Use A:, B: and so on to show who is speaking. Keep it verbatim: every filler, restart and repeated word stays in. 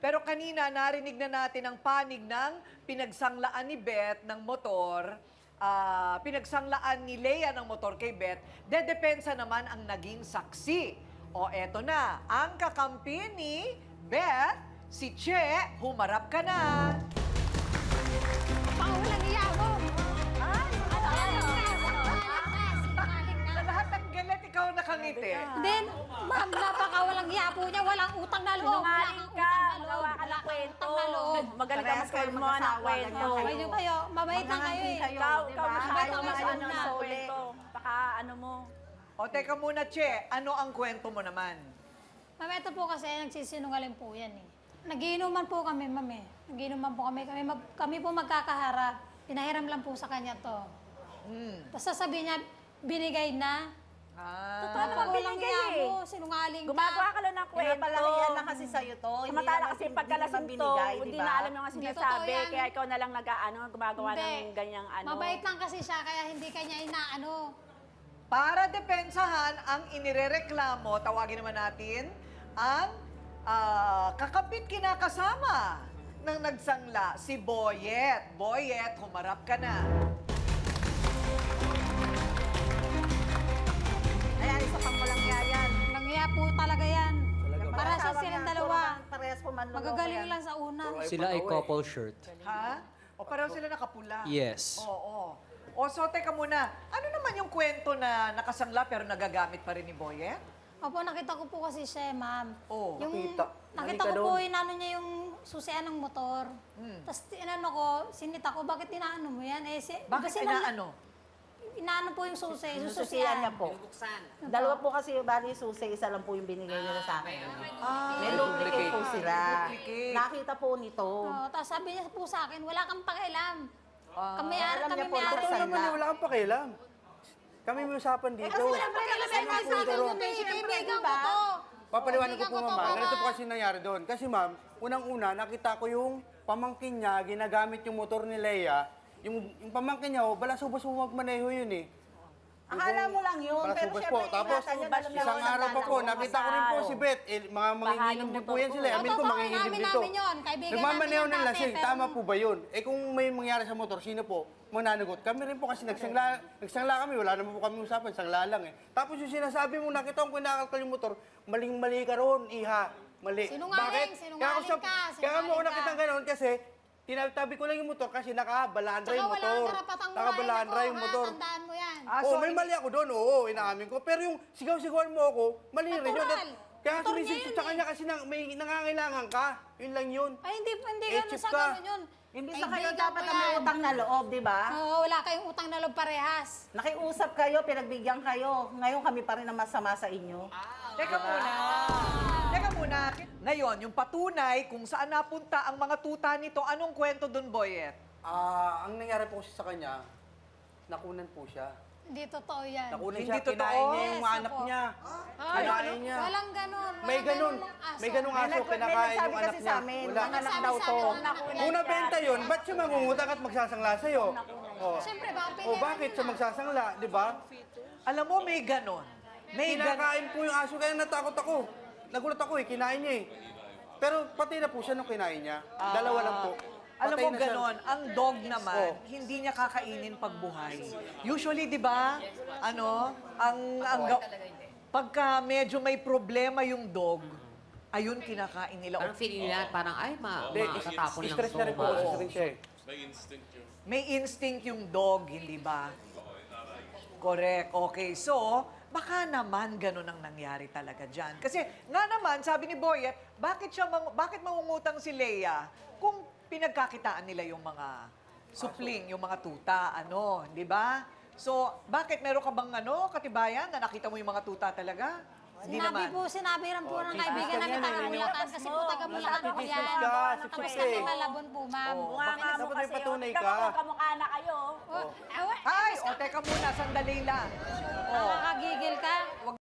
A: Pero kanina, narinig na natin ang panig ng pinagsanglaan ni Beth ng motor, ah, pinagsanglaan ni Lea ng motor kay Beth, dedepensa naman ang naging saksi. O eto na, ang kakampi ni Beth, si Che, humarap ka na.
B: Pangulang iya mo!
A: Sa lahat ng galit, ikaw nakangiti.
B: Then, ma'am, napakawalang iya po niya. Walang utang na loob.
C: Sinungaling
B: Walang
C: ka,
B: utang na loob.
C: gawa ka ng
B: Walang
C: kwento.
B: utang na loob.
C: Magaling ka
D: Parehas kayo
C: mag-form mo ng
D: mag-asawa,
C: kwento.
D: ganyan
B: Kayo kayo, mabait lang kayo eh.
D: kayo,
C: Ikaw,
D: di
C: ikaw
D: ba?
C: masyado
B: Ayaw
C: mas
B: kayo
C: ano
B: na
C: sa
D: uli.
C: kwento. Baka ano mo.
A: O teka muna, Che, ano ang kwento mo naman?
B: Ma'am, ito po kasi nagsisinungaling po yan eh. Nagiinuman po kami, ma'am eh. Nagiinuman po kami. Kami, mag- kami po magkakaharap. Pinahiram lang po sa kanya to.
A: Hmm.
B: Tapos sasabihin niya, binigay na.
A: Ah.
C: Totoo naman
B: Walang
C: binigay
B: iya
C: eh.
B: mo, sinungaling ka.
C: Gumagawa ka lang ng kwento.
D: Pinapalakihan lang kasi sa'yo to. Hindi
C: Samantala
D: naman-
C: kasi
D: hindi
C: pagkalasing
D: naman
C: to,
D: binigay,
C: hindi
D: di ba?
C: na alam yung mga
B: Hindi
C: sinasabi.
B: totoo yan.
C: Kaya ikaw na lang nag-ano, gumagawa
B: Hindi.
C: ng ganyang ano.
B: Mabait lang kasi siya, kaya hindi kanya inaano.
A: Para depensahan ang inirereklamo, tawagin naman natin, ang ah, kakapit kinakasama ng nagsangla, si Boyet. Boyet, humarap ka na.
D: Ayan, isa pang walang yayan.
B: Nangiya po talaga yan. Para sa
D: Asawa
B: silang
D: niya,
B: dalawa.
D: puro man- Parehas po manloloko
B: Magagaling
D: yan.
B: lang sa una.
E: Sila ay couple shirt.
A: Ha? O pareho sila nakapula?
E: Yes.
A: Oo. O so, teka muna, ano naman yung kwento na nakasangla pero nagagamit pa rin ni Boyet?
B: Opo, nakita ko po kasi siya, ma'am.
A: Oo.
B: Yung,
D: Nakita.
B: nakita
D: Halika
B: ko po,
D: doon.
B: inano niya yung susian ng motor.
A: Hmm.
B: Tapos inano ko, sinita ko, bakit inaano mo yan? Eh, si,
A: Bakit
B: kasi
A: inaano?
B: Inaano po yung susi, yung
D: Susiyan
B: susian.
D: niya po. Dalawa po kasi bali susi, isa lang po yung binigay nila sa akin.
A: Ah,
D: May duplicate po sila.
A: Duplicate.
D: Nakita po nito.
B: Oo, tapos sabi niya po sa akin, wala kang pakialam.
A: Ah.
B: kami ara,
D: Alam
B: kami
D: niya po,
B: may ara.
D: totoo
F: Totoo naman eh, wala kang pakialam. Kami may usapan dito.
B: Kasi wala pakialam sa akin, sa akin, yun eh, kaibigan ko to.
F: Papaliwanag ko
B: Kaibigan
F: po,
B: to,
F: ma'am.
B: para-
F: Ganito po kasi nangyari doon. Kasi, ma'am, unang-una, nakita ko yung pamangkin niya, ginagamit yung motor ni Leia. Yung, yung pamangkin niya, oh, balasubos mo magmaneho yun eh.
D: Akala mo lang yun, pero
F: Balasubos
D: syempre,
F: po. Tapos,
D: ingatan niyo na lang
F: isang
D: na
F: araw pa po,
D: lang.
F: nakita ko rin po si Beth. Eh, mga manginginom din po yan sila.
B: Oo,
F: Amin ko,
B: totoo,
F: manginginom
B: namin
F: dito.
B: namin yun. Kaibigan
F: Nagmamaneho
B: namin
F: ng
B: yan
F: lasing.
B: dati, pero-
F: Tama po ba yun? Eh kung may mangyari sa motor, sino po? Mananagot. Kami rin po kasi nagsangla, nagsangla kami. Wala naman po kami usapan. Sangla lang eh. Tapos yung sinasabi mo, nakita ko kinakalkal yung motor, maling-mali ka ron, iha. Mali.
B: Sinungaling,
F: Bakit?
B: sinungaling
F: Kaya ako sa-
B: ka,
F: Kaya mo ako
B: sinungaling
F: nakita
B: ka.
F: gano'n kasi tinatabi ko lang yung motor kasi nakabalandra
B: Tsaka
F: yung
B: wala
F: motor.
B: kang karapatang
F: Nakabalandra
B: murahin
F: yung
B: ako,
F: motor.
B: ha? Tandaan mo yan.
A: Ah,
F: Oo,
A: so,
F: may
A: ini-
F: mali ako doon, oo, inaamin ko. Pero yung sigaw-sigawan mo ako, mali rin yun.
B: Natural.
F: Kaya
B: Motor niya
F: sumisip
B: yun
F: sa
B: eh.
F: kanya kasi na, may nangangailangan ka. Yun lang yun.
B: Ay, hindi, hindi
F: Eh,
B: ganun
F: chip
B: sa
F: ka.
B: ganun yun.
D: Hindi sa kayo
B: Kaibigan
D: dapat
B: ko
D: na may
B: yan.
D: utang na loob, di ba?
B: Oo, wala kayong utang na loob parehas.
D: Nakiusap kayo, pinagbigyan kayo. Ngayon kami pa rin ang masama sa inyo.
A: Teka muna. Teka muna. Ngayon, yung patunay kung saan napunta ang mga tuta nito, anong kwento dun, Boyet?
F: Ah, ang nangyari po kasi sa kanya, nakunan po siya.
B: Hindi totoo yan.
F: Nakunan
A: Hindi
F: siya,
A: totoo?
F: kinain niya yung
B: Yes,
F: mga anak
B: opo.
F: niya.
B: Ay,
F: Kinain niya.
B: Walang ganun.
F: May
B: walang
F: ganun.
B: ganung aso.
F: May ganung
D: May
F: aso,
D: nag- may
F: kinakain
D: nagsabi
F: yung anak
D: kasi
F: niya.
D: sa amin,
F: Wala.
D: mga anak
B: Nagsabi
D: daw
B: sa
D: to.
B: amin, mga nakunan
F: Kung
B: niya.
F: nabenta yun, ba't siya mangungutang at magsasangla sa'yo? Oh.
B: Siyempre, baka
F: Oh,
B: pinira
F: bakit
B: niya
F: siya
B: na.
F: magsasangla, di ba?
A: Alam mo, may ganon. May ganon.
F: Kinakain po yung aso, kaya natakot ako. Nagulat ako eh, kinain niya eh. Pero pati na po siya nung kinain niya. Dalawa lang po.
A: Alam
F: Patay
A: mo,
F: na siya.
A: ganon, ang dog naman,
F: Oh.
A: hindi niya kakainin pag buhay. Usually, di ba, ano, ang, ang, ga- pagka medyo may problema yung dog, ayun kinakain nila.
G: Parang feeling nila, parang ay, ma
F: Hindi,
G: matatapon lang
F: stress
G: to.
F: na rin po kasi rin siya eh.
A: May instinct yung dog, hindi ba? Correct. Okay, so, baka naman ganun ang nangyari talaga dyan. Kasi nga naman, sabi ni Boyet, bakit, siya mang, bakit mangungutang si Leia kung pinagkakitaan nila yung mga supling, yung mga tuta, ano, di ba? So, bakit meron ka bang ano, katibayan na nakita mo yung mga tuta talaga? Hindi
B: Sinabi
A: naman.
B: po, sinabi rin po ng kaibigan
F: Chismis
B: namin
F: ka
B: taga
F: yan, eh.
B: Bulacan kasi po taga Bulacan po
F: Chismis
B: yan.
F: ka,
B: Tapos
F: chismis
B: kami
F: eh.
B: Malabon po, ma'am.
A: Oo.
C: Mukha nga mo
F: Dapat may
C: kasi.
F: patunay
C: oh.
F: ka.
C: Ikaw, kamukha na kayo.
B: Oh, awa,
A: Ay, o teka muna, sandali lang. Oh.
B: nakakagigil ka.